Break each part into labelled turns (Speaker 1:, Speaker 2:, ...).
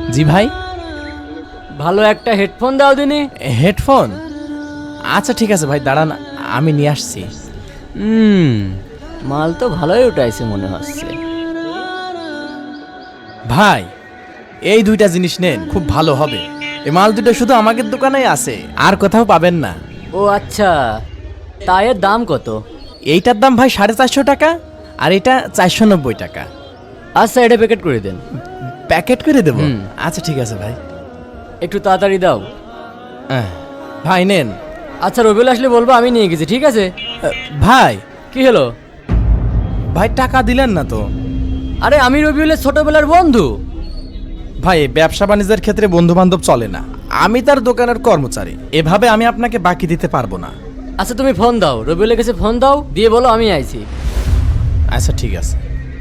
Speaker 1: জি ভাই।
Speaker 2: ভালো একটা হেডফোন দাও দিনি।
Speaker 1: হেডফোন? আচ্ছা ঠিক আছে ভাই, দাঁড়ান আমি নিয়ে আসছি।
Speaker 2: মাল তো ভালোই উঠাইছে মনে হচ্ছে।
Speaker 1: ভাই এই দুইটা জিনিস নেন, খুব ভালো হবে। এই মাল দুটো শুধু আমাদের দোকানেই আছে, আর কোথাও পাবেন না।
Speaker 2: ও আচ্ছা, তা এর দাম কত?
Speaker 1: এইটার দাম ভাই 450 টাকা, আর এটা 490 টাকা।
Speaker 2: আচ্ছা, এটা প্যাকেট করে দেন।
Speaker 1: প্যাকেট করে দেবো?
Speaker 2: হুম।
Speaker 1: আচ্ছা ঠিক আছে ভাই।
Speaker 2: একটু তাড়াতাড়ি দাও।
Speaker 1: ভাই নেন।
Speaker 2: আচ্ছা, রবিউল আসলে বলবো আমি নিয়ে গেছি, ঠিক আছে?
Speaker 1: ভাই,
Speaker 2: কি হলো?
Speaker 1: ভাই টাকা দিলেন না তো?
Speaker 2: আরে আমি রবিউলের ছোটবেলার বন্ধু।
Speaker 1: ভাই এই ব্যবসা বাণিজ্যের ক্ষেত্রে বন্ধু বান্ধব চলে না, আমি তার দোকানের কর্মচারী, এভাবে আমি আপনাকে বাকি দিতে পারবো না।
Speaker 2: আচ্ছা তুমি ফোন দাও, রবিউলের কাছে ফোন দাও, দিয়ে বলো আমি আইছি।
Speaker 1: আচ্ছা ঠিক আছে।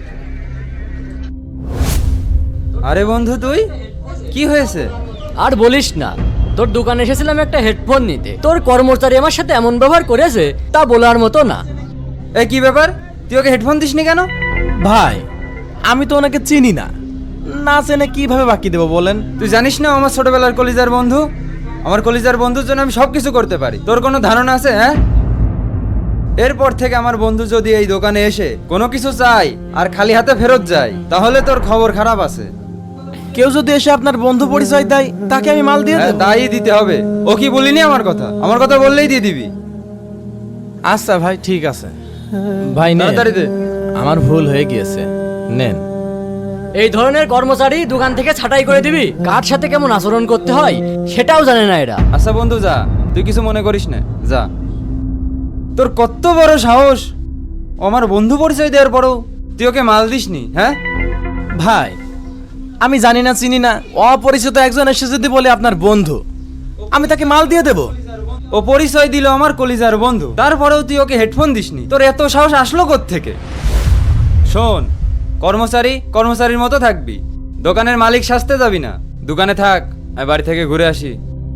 Speaker 3: আরে বন্ধু, তুই কি হয়েছে?
Speaker 2: আর বলিস না, তোর দোকানে এসেছিলাম একটা হেডফোন নিতে, তোর কর্মচারী আমার সাথে এমন ব্যবহার করেছে তা বলার মতো না।
Speaker 3: এই কি ব্যাপার, তুই ওকে হেডফোন দিসনি কেন?
Speaker 1: ভাই আমি তো ওনাকে চিনি না, না চেনে কিভাবে বাকি দেবো বলেন?
Speaker 3: তুই জানিস না ও আমার ছোটবেলার কলিজার বন্ধু? আমার কলিজার বন্ধুর জন্য আমি সব কিছু করতে পারি। তোর কোনো ধারণা আছে? হ্যাঁ, এরপর থেকে আমার বন্ধু যদি এই দোকানে এসে কোনো কিছু চাই আর খালি হাতে ফেরত যায়, তাহলে তোর খবর খারাপ আছে।
Speaker 1: কেউ যদি এসে আপনার বন্ধু পরিচয় দেয়, তাকে আমি মাল দিয়ে
Speaker 3: হ্যাঁ,
Speaker 1: দেব।
Speaker 3: তাই দিতে হবে। ও কি বলিনি আমার কথা? আমার কথা বললেই দিয়ে দিবি।
Speaker 1: আচ্ছা ভাই ঠিক আছে। ভাই নেন,
Speaker 3: তাড়াতাড়ি দে।
Speaker 1: আমার ভুল হয়ে গিয়েছে, নেন।
Speaker 2: এই ধরনের কর্মচারী দোকান থেকে ছাঁটাই করে দিবি, কার সাথে কেমন আচরণ করতে হয় সেটাও জানে না এরা।
Speaker 3: আচ্ছা বন্ধু যা, তুই কিছু মনে করিস না, যা। তোর কত বড় সাহস, ও আমার বন্ধু পরিচয় দেওয়ার পরও তুই ওকে মাল দিসনি? হ্যাঁ
Speaker 1: ভাই আমি জানি না চিনি না, অপরিচিত একজন এসে যদি বলে আপনার বন্ধু, আমি তাকে মাল দিয়ে দেব?
Speaker 3: ও পরিচয় দিল আমার কলিজার বন্ধু, তারপরেও তুই ওকে হেডফোন দিসনি? তোর এত সাহস আসলো কোত্থেকে? শোন, কর্মচারী কর্মচারীর মতো থাকবি, দোকানের মালিক সাজতে যাবি না। দোকানে থাক, আমি বাড়ি থেকে ঘুরে আসি।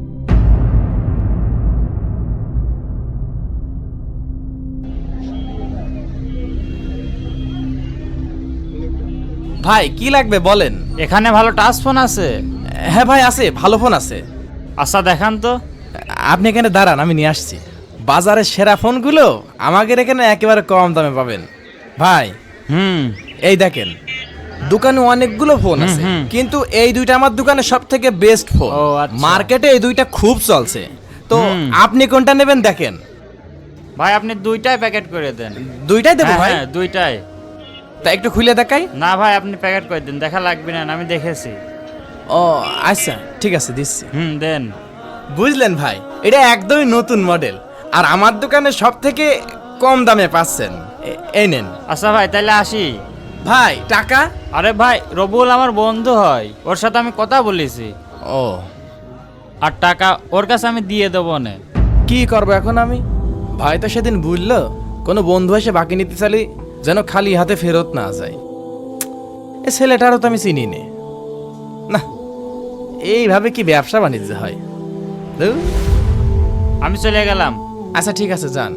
Speaker 1: ভাই কি লাগবে বলেন?
Speaker 4: এখানে ভালো টাচ ফোন আছে?
Speaker 1: হ্যাঁ ভাই আছে, ভালো ফোন আছে।
Speaker 4: আচ্ছা দেখান তো।
Speaker 1: আপনি এখানে দাঁড়ান, আমি নিয়ে আসছি। বাজারের সেরা ফোনগুলো আমাদের এখানে একেবারে কম দামে পাবেন। ভাই এই দেখেন, দোকানে অনেকগুলো ফোন আছে, কিন্তু এই দুইটা আমার দোকানে সব থেকে বেস্ট ফোন।
Speaker 4: ও, আচ্ছা।
Speaker 1: মার্কেটে এই দুইটা খুব চলছে, তো আপনি কোনটা নেবেন দেখেন।
Speaker 4: ভাই আপনি দুইটাই প্যাকেট করে দেন।
Speaker 1: দুইটাই দেবো ভাই?
Speaker 4: হ্যাঁ দুইটাই।
Speaker 1: তা একটু খুলে দেখাই।
Speaker 4: না ভাই আপনি প্যাকেট করে দেন, দেখা লাগবে না, আমি দেখেছি।
Speaker 1: ও আচ্ছা ঠিক আছে, দিচ্ছি।
Speaker 4: দেন।
Speaker 1: বুঝলেন ভাই, এটা একদমই নতুন মডেল, আর আমার দোকানে সব থেকে কম দামে পাচ্ছেন। এই নেন।
Speaker 4: আচ্ছা ভাই তাহলে আসি।
Speaker 1: ভাই টাকা?
Speaker 4: আরে ভাই রবুল আমার বন্ধু হয়, ওর সাথে আমি কথা বলেছি,
Speaker 1: ও
Speaker 4: আর টাকা ওর কাছে আমি দিয়ে দেবো না।
Speaker 1: কি করবো এখন আমি? ভাই তো সেদিন বুঝলো কোনো বন্ধু এসে বাকি নিতে চালি যেন খালি হাতে ফেরত না যায়। এ ছেলেটারও তো আমি চিনি নে। না, এইভাবে কি ব্যবসা বাণিজ্য হয়? ধুর।
Speaker 4: আমি চলে গেলাম।
Speaker 1: আচ্ছা ঠিক আছে, যান।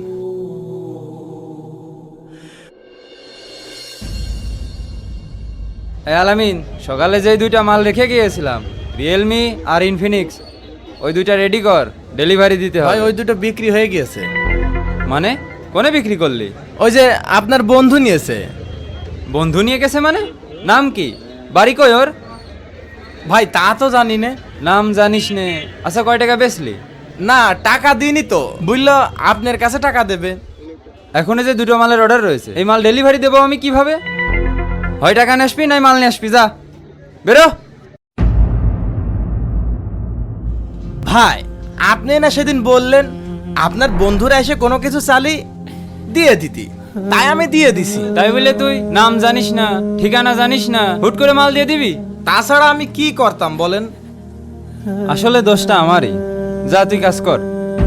Speaker 3: আলামিন, সকালে যেই দুইটা মাল রেখে গিয়েছিলাম, রিয়েলমি আর ইনফিনিক্স, ওই দুইটা রেডি কর, ডেলিভারি দিতে
Speaker 1: ভাই
Speaker 3: হয়।
Speaker 1: ওই দুটো বিক্রি হয়ে গিয়েছে।
Speaker 3: মানে কোনে বিক্রি করলি?
Speaker 1: ওই যে আপনার বন্ধু নিয়েছে।
Speaker 3: বন্ধু নিয়ে গেছে মানে? নাম কি, বাড়ি কই ওর?
Speaker 1: ভাই তা তো জানি না।
Speaker 3: নাম জানিস নে? আচ্ছা কয় টাকা বেচলি?
Speaker 1: না টাকা দিইনি তো, বুঝলো আপনার কাছে টাকা দেবে।
Speaker 3: এখন যে দুটো মালের অর্ডার রয়েছে, এই মাল ডেলিভারি দেবো আমি কিভাবে? হয় টাকা নিয়ে আসবি, নাই মাল নিয়ে আসবি, যা বেরো।
Speaker 1: ভাই আপনি না সেদিন বললেন আপনার বন্ধুরা এসে কোনো কিছু চালি দিয়ে দিতি, তাই আমি দিয়ে দিছি।
Speaker 3: তাই বলে তুই নাম জানিস না, ঠিকানা জানিস না, হুট করে মাল দিয়ে দিবি?
Speaker 1: তাছাড়া আমি কি করতাম বলেন?
Speaker 3: আসলে দোষটা আমারই, যা তুই কাজ কর।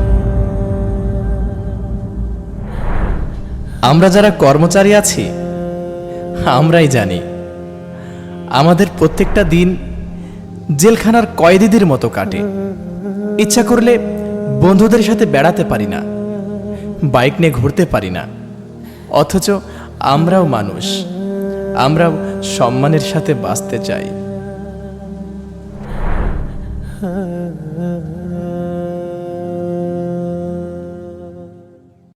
Speaker 1: আমরা যারা কর্মচারী আছি আমরাই জানি আমাদের প্রত্যেকটা দিন জেলখানার কয়েদিদের মতো কাটে। ইচ্ছা করলে বন্ধুদের সাথে বেড়াতে পারি না, বাইক নিয়ে ঘুরতে পারি না, অথচ আমরাও মানুষ, আমরাও সম্মানের সাথে বাঁচতে চাই।